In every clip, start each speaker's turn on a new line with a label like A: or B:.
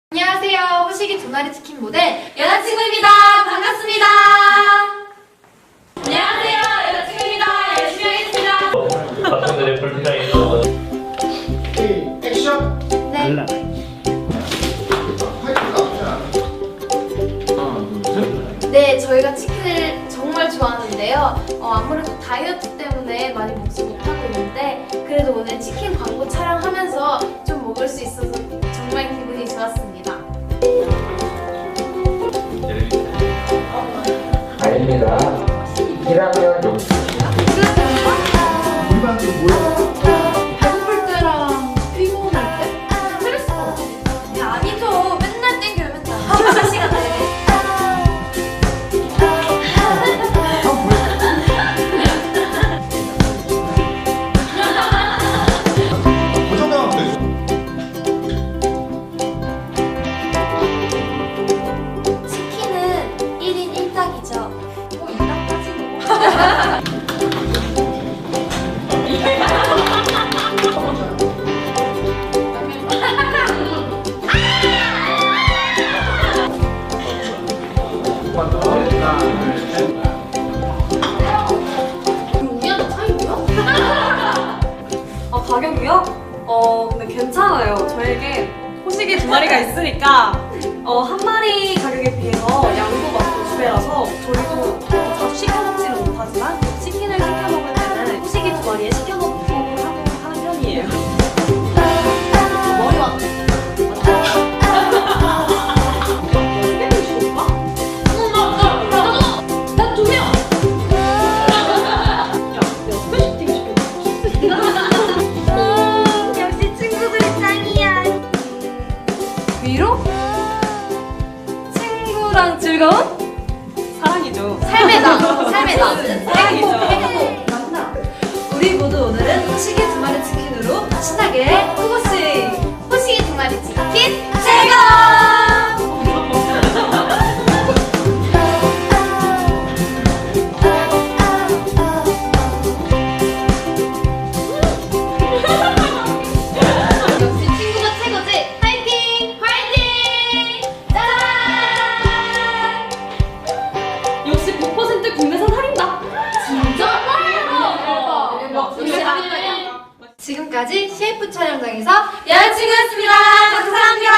A: 안녕하세요. 호식이 두 마리 치킨 모델 여자친구입니다. 반갑습니다. 안녕하세요. 여자친구입니다. 열심히 하겠습니다.
B: 박근혜의 불편함이
C: 액션!
A: 네. 네, 저희가 치킨을 정말 좋아하는데요. 아무래도 다이어트 때문에 많이 먹지 못하고 있는데 그래도 오늘 치킨 광고 촬영하면서 좀 먹을 수 있어서 정말 기분이 좋았습니다.
C: 아닙니다. 1학년 용 우리반도 뭐야?
A: 배고플 때랑 피곤할 때? 스트레스 받을 때? 아니죠. 맨날 땡겨요, 맨날. 24시간 내내.
C: 고정당하면 되죠.
A: 치킨은 1인 1닭이죠. 2닭까지
D: 가격이요? 근데 괜찮아요. 저에게 호식이 두 마리가 있으니까 한 마리 가격에 비해서 양도 많고 두 배라서 저희도 그렇게 자주 시켜 먹지는 못하지만 치킨을 시켜 먹을 때는 호식이 두 마리에 시켜 먹고 하는 편이에요. 머리 왔네.
A: 역시 친구들이 짱이야.
D: 위로? 친구랑 즐거운? 사랑이죠.
A: 삶의 나. 삶의 나.
D: 사랑이죠.
A: 우리 모두 오늘은 호식이 두 마리 치킨으로 신나게 호고씨 호식이 두 마리 치킨 즐거워. 역시 친구가 최고지. 화이팅! 화이팅! 짠!
D: 역시 100% 국내산 할인다.
A: 진짜? 대박. 지금까지 CF 촬영장에서 여자친구였습니다. 감사합니다.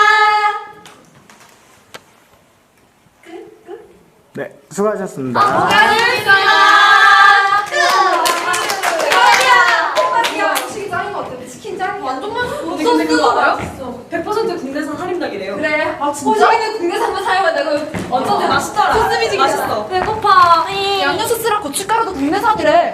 C: 네, 수고하셨습니다.
A: 감사합니다. 완전 맛있어.
D: 근데 그거 알아요? 100% 국내산 할인닭이래요.
A: 그래. 아 진짜? 호식이는 국내산만 사용해. 내가
D: 완전
A: 어.
D: 맛있더라.
A: 소스미지
D: 맛있어.
A: 배고파. 양념 소스랑 고춧가루도 국내산이래.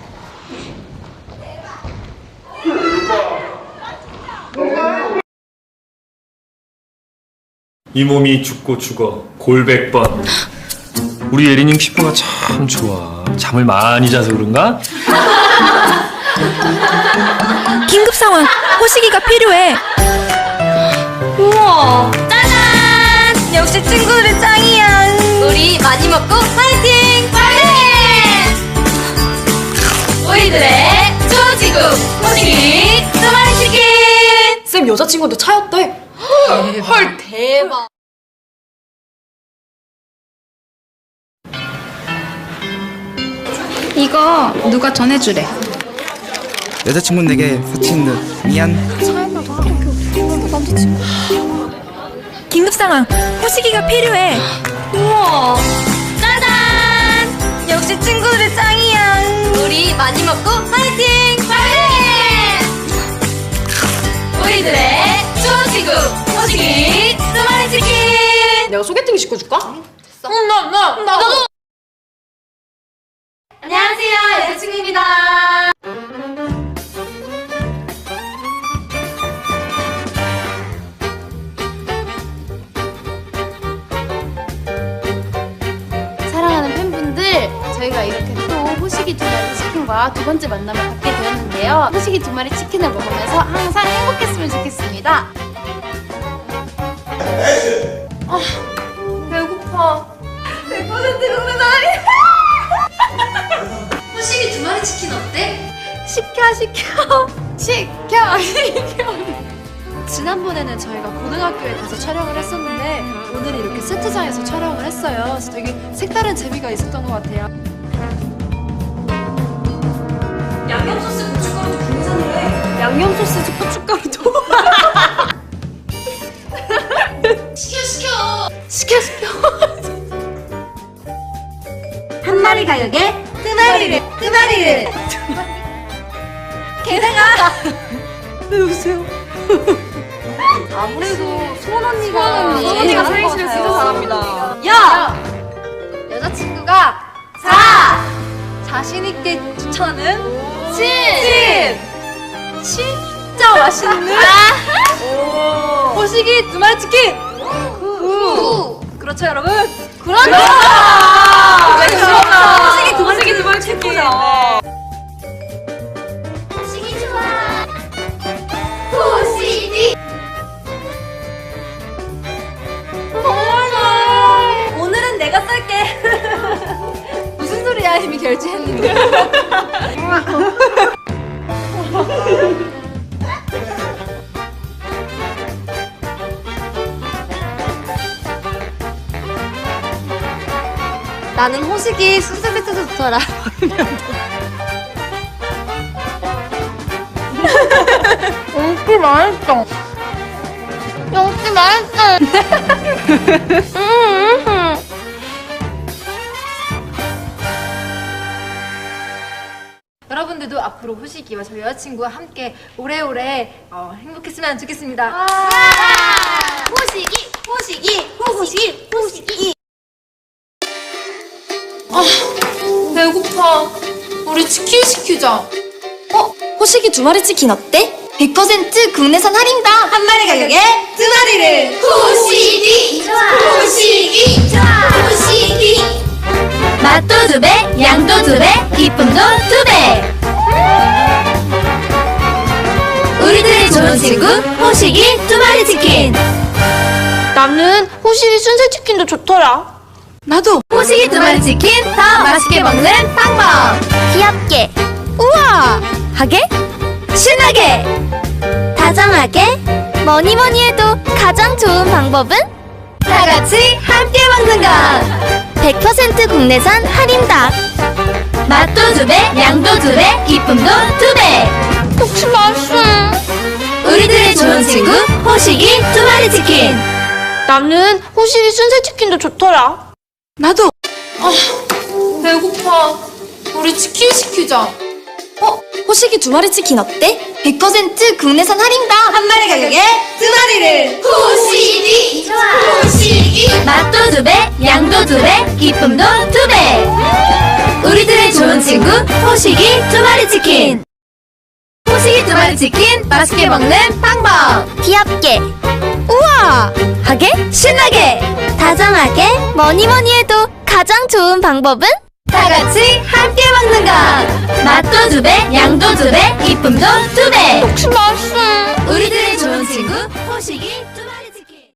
E: 이 몸이 죽고 죽어 골백번. 우리 예린님 피부가 참 좋아. 잠을 많이 자서 그런가?
F: 긴급 상황! 호식이가 필요해!
D: 우와.
F: 짜잔! 역시 친구들이 짱이야!
A: 우리 많이 먹고 파이팅! 파이팅! 우리들의 조지국 호식이 두 마리 치킨!
D: 쌤 여자친구한테 차였대.
A: 헐 대박.
F: 이거 누가 전해주래.
G: 여자친구 내게 사치는 듯 미안.
F: 긴급 상황! 호식이가 필요해!
D: 우와.
F: 짜잔! 역시 친구들이 짱이야!
A: 우리 많이 먹고 파이팅! 파이팅! 우리들의 조지국 호식이 두 마리 치킨!
D: 내가 소개팅 시켜줄까?
A: 나도! 안녕하세요, 여자친구입니다. 사랑하는 팬분들, 저희가 이렇게 또 호식이 두 마리 치킨과 두 번째 만남을 갖게 되었는데요. 호식이 두 마리 치킨을 먹으면서 항상 행복했으면 좋겠습니다. 배고파. 100% 국내산이. 호식이 두 마리 치킨 어때? 시켜.
B: 지난번에는 저희가 고등학교에 가서 촬영을 했었는데 오늘은 이렇게 세트장에서 촬영을 했어요. 그래서 되게 색다른 재미가 있었던 것 같아요.
D: 양념 소스 고춧가루도 국내산이래. 양념 소스 고춧가루도.
B: 시켜.
F: 한 마리 가격에 두 마리를 게다가
D: 아무래도 소원 언니가
B: 언니가
D: 삼행시를 진짜 잘합니다.
B: 야! 여자친구가 자신 있게 추천은 진짜 맛있는 호식이 두 마리 치킨. 그렇죠 여러분? 그렇죠.
D: 호식이 두 마리 최고죠.
A: 호식이 좋아. 호식이.
B: 오늘은 내가 쏠게. 무슨 소리야? 이미 결제했는데. 나는 호식이 순살배트도 좋더라.
A: 용기 맛있어. 용기 맛있어.
B: 여러분들도 앞으로 호식이와 저희 여자친구와 함께 오래오래 행복했으면 좋겠습니다.
A: 호식이.
B: 배고파. 우리 치킨 시키자.
F: 호식이 두 마리 치킨 어때? 100% 국내산 할인다. 한 마리 가격에 두 마리를.
A: 호식이 좋아. 호식이 좋아. 호식이.
F: 맛도 두 배, 양도 두 배, 기쁨도 두 배. 우리들의 좋은 친구 호식이 두 마리 치킨.
A: 나는 호식이 순살 치킨도 좋더라.
F: 나도 호식이 두 마리 치킨 더 맛있게 먹는 방법. 귀엽게, 우아하게, 신나게, 다정하게. 뭐니 해도 가장 좋은 방법은 다 같이 함께 먹는 것. 100% 국내산 할인닭. 맛도 두 배, 양도 두 배, 기쁨도 두 배.
A: 혹시 맛있어?
F: 우리들의 좋은 친구 호식이 두 마리 치킨.
A: 나는 호식이 순살 치킨도 좋더라.
B: 나도. 배고파. 우리 치킨 시키자.
F: 호식이 두 마리 치킨 어때? 100% 국내산 할인당. 한 마리 가격에 두 마리를.
A: 호식이 좋아. 호식이.
F: 맛도 두 배, 양도 두 배, 기쁨도 두 배. 우리들의 좋은 친구 호식이 두 마리 치킨. 호식이 두 마리 치킨 맛있게 먹는 방법. 귀엽게, 우아하게, 신나게, 다정하게. 뭐니 해도 가장 좋은 방법은 다 같이 함께 먹는 것. 맛도 두 배, 양도 두 배, 기쁨도 두 배.
A: 혹시 맛있어?
F: 우리들의 좋은 친구 호식이